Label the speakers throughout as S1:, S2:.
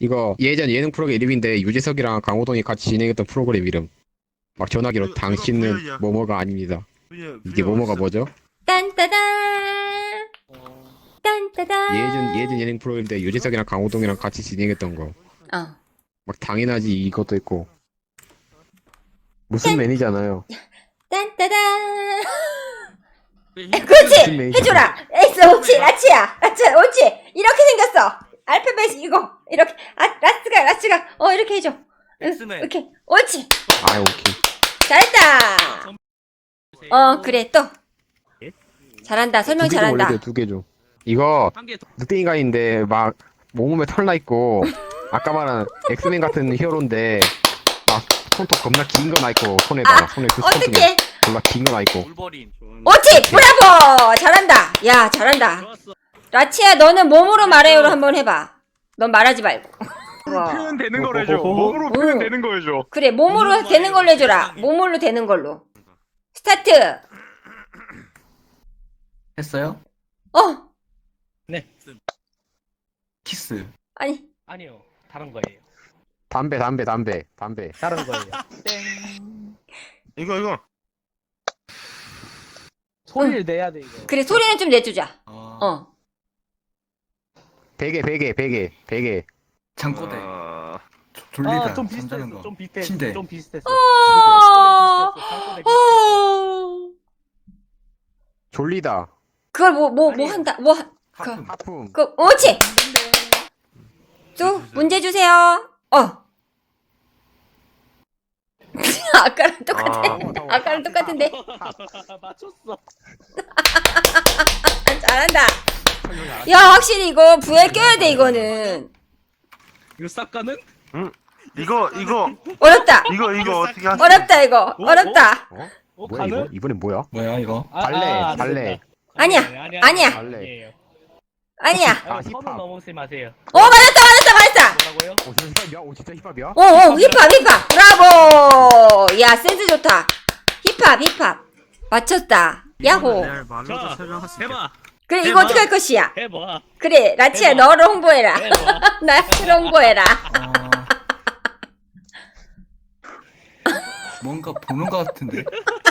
S1: 이거 예전 예능 프로그램 이름인데 유재석이랑 강호동이 같이 진행했던 프로그램 이름. 막 전화기로
S2: 그거
S1: 당신은
S2: VR이야.
S1: 뭐뭐가 아닙니다.
S2: VR,
S1: 이게
S2: VR
S1: 뭐뭐가
S2: 어딨어?
S1: 뭐죠?
S3: 딴따단 딴따단
S1: 예전 예능 프로그램인데 유재석이랑 강호동이랑 같이 진행했던 거.
S3: 어
S1: 막 당연하지 이것도 있고. 무슨 매니잖아요.
S3: 딴따단
S1: 무슨
S3: 그렇지
S1: 매니저.
S3: 해줘라 에이스 옳지 라치야 옳지 이렇게 생겼어 알파벳 이거 이렇게 라스가 이렇게 해줘
S2: 엑스맨.
S3: 이렇게 옳지
S1: 아 오케이.
S3: 잘했다 그래 또 잘한다 설명 잘한다
S1: 두 개 줘. 이거
S2: 한개 더.
S1: 늑대인간인데 막 몸에 털 나 있고 아까 말한 엑스맨 같은 히어로인데 막 손톱 겁나 긴 거 나 있고 손에다가 손에 그 손톱이
S3: 어떡해
S1: 겁나 긴 거 나 있고.
S2: 울버린.
S3: 옳지 브라보 잘한다 야 잘한다
S2: 좋았어.
S3: 라치야 너는 몸으로 말해요로 한번 해봐 넌 말하지 말고
S4: 표현 되는 걸 해줘. 몸으로 표현 되는 거 해줘.
S3: 그래 몸으로 되는 걸로 해줘라 몸으로 되는 걸로 스타트
S5: 했어요?
S3: 어
S5: 키스.
S3: 아니
S6: 아니요. 다른 거예요.
S1: 담배.
S6: 다른 거예요.
S2: 이거.
S6: 소리를 내야 돼, 이거.
S3: 그래 소리는 좀 내주자
S5: 어.
S1: 베개.
S5: 잠꼬대.
S2: 아,
S5: 졸리다.
S6: 좀
S5: 잠자는
S6: 비슷했어.
S5: 거.
S6: 좀 비슷했어.
S5: 침대.
S6: 좀 비슷했어.
S3: 어
S6: 장꼬대 비슷했어.
S1: 졸리다.
S3: 그걸 뭐 한다
S5: 하품.
S1: 하품.
S3: 옳지 또 문제 주세요 아까랑 똑같아 아까랑 똑같은데
S6: 맞췄어.
S3: 잘한다 야 확실히 이거 VR 껴야 돼 이거는
S6: 이거 싹가는?
S2: 이거
S3: 어렵다
S2: 어떻게 하지?
S3: 어렵다 이거 어렵다
S1: 뭐야 이거?
S6: 가는?
S1: 이번엔 뭐야?
S5: 뭐야 이거?
S1: 발레.
S3: 아니야. 아니야.
S1: 발레.
S6: 아니에요.
S3: 아니야
S1: 아,
S6: 선은
S1: 힙합.
S6: 넘으지 마세요.
S3: 맞았다
S6: 뭐라고요?
S1: 진짜 힙합이야? 진짜 힙합이야?
S3: 힙합 브라보 야 센스 좋다 힙합 맞췄다 야호
S2: 말로도 설명할 수 있겠다.
S6: 해봐.
S3: 그래 이거
S2: 해봐.
S3: 어떻게 할 것이야
S6: 해봐.
S3: 그래 라치야
S6: 해봐.
S3: 너를 홍보해라
S6: 해봐.
S3: 나를 홍보해라
S5: 뭔가 보는 거 같은데.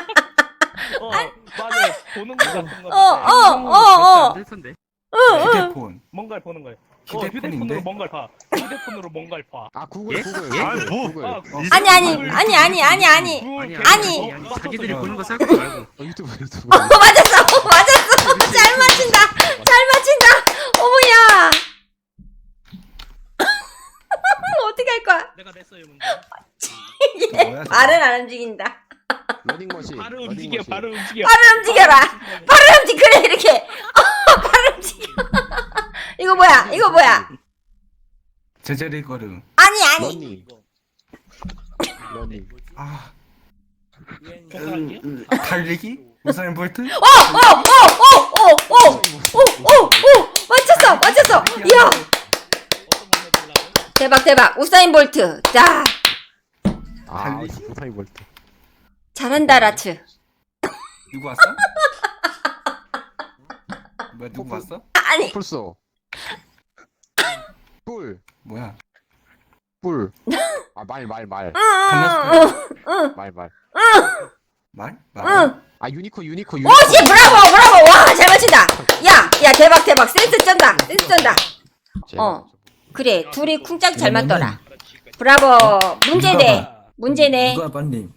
S6: 맞아. 보는 거 같은 거.
S2: 될 텐데.
S5: 휴대폰.
S6: 뭔가를 보는 거예요.
S5: 휴대폰인데?
S6: 휴대폰으로 뭔가를 봐. 휴대폰으로 뭔가를 봐.
S1: 아 구글.
S2: 아니, 뭐.
S1: 구글.
S3: 아니
S2: 아니. 자기들이 보는 거 생각하지 말고.
S1: 유튜브.
S3: 맞았어 잘 맞춘다 어머야 어떻게 할 거야
S6: 내가 냈어요, 문제.
S3: 얘
S5: 뭐야, 저거?
S3: 발은 안 움직인다
S1: 러닝머신.
S6: 바로 움직여.
S3: 발을 움직여라 그래 이렇게 발을 움직여 이거 뭐야
S5: 제자리 걸음.
S3: 아니
S1: 러닝.
S5: 아.
S6: 손가락이요?
S5: 달리기? 우사인 볼트?
S3: 맞췄어 이야
S6: 어떤 거 해보려고?
S3: 대박 우사인 볼트 자
S1: 아,
S5: 달리기?
S1: 우사인 볼트.
S3: 잘한다 라츠
S5: 누구 왔어? 뭐야 누구 왔어?
S3: 아니
S1: 풀소. 뿔.
S5: 뭐야?
S1: 뿔. 아, 말.
S5: 강남스타일.
S1: 말.
S5: 말?
S3: 응.
S1: 아, 유니코.
S3: 오씨 브라보 와 잘 맞춘다 야 대박 센스 쩐다 그래 둘이 쿵짝 잘 맞더라 브라보 문제네
S5: 누가 반님?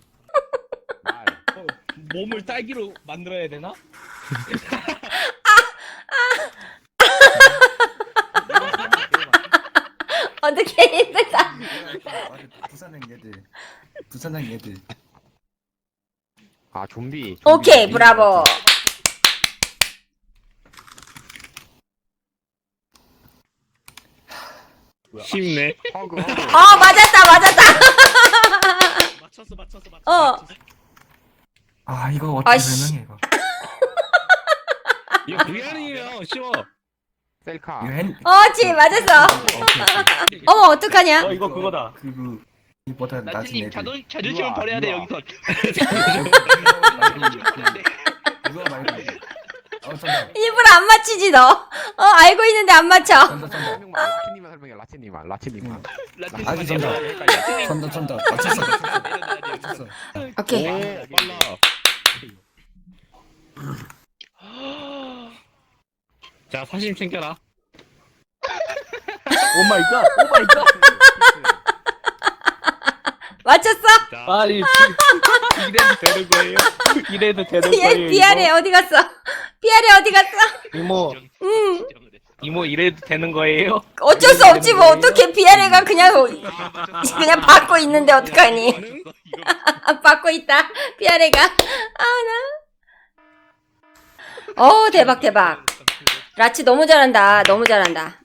S6: 몸을 딸기로 만들어야 되나?
S3: 어떻게 힘들다
S5: 부산행 얘들.
S1: 아, 좀비.
S3: 오케이 브라보
S6: 쉽네.
S1: 허그.
S3: 맞았다
S6: 맞췄어.
S5: 아 이거 어떻게
S3: 아이씨.
S5: 설명해 이거?
S6: 이거 VR이에요. 쉬워.
S1: 셀카.
S5: 이거 핸.
S3: 어지 맞았어 어머 어떡하냐
S6: 이거 그거다.
S5: 그거 이보다 낮은
S6: 나트님
S5: 애들.
S6: 자존심을 버려야 돼 여기서.
S5: 이거 말고 정답.
S3: 일부러 안 맞히지 너. 알고 있는데 안 맞춰.
S5: 정답, 정답.
S1: 설명만 라치님만 설명해. 라치님만.
S5: 아니, 정답. 정답. 맞췄어.
S3: 오케이.
S6: 오 빨라. 자 사심 챙겨라.
S2: 오마이갓 오마이갓.
S3: 맞췄어?
S6: 자
S2: 아니
S6: 이래도 되는 거예요.
S2: 이래도 되는
S3: 얘
S2: 거예요.
S3: 비아래 어디 갔어? 비아래 어디 갔어?
S2: 이모
S6: 이모 이래도 되는 거예요.
S3: 어쩔 수 없지 뭐. 어떻게 비아래가 그냥 받고 있는데 어떡하니? 받고 있다. 비아래가. 대박. 라치 너무 잘한다. 너무 잘한다.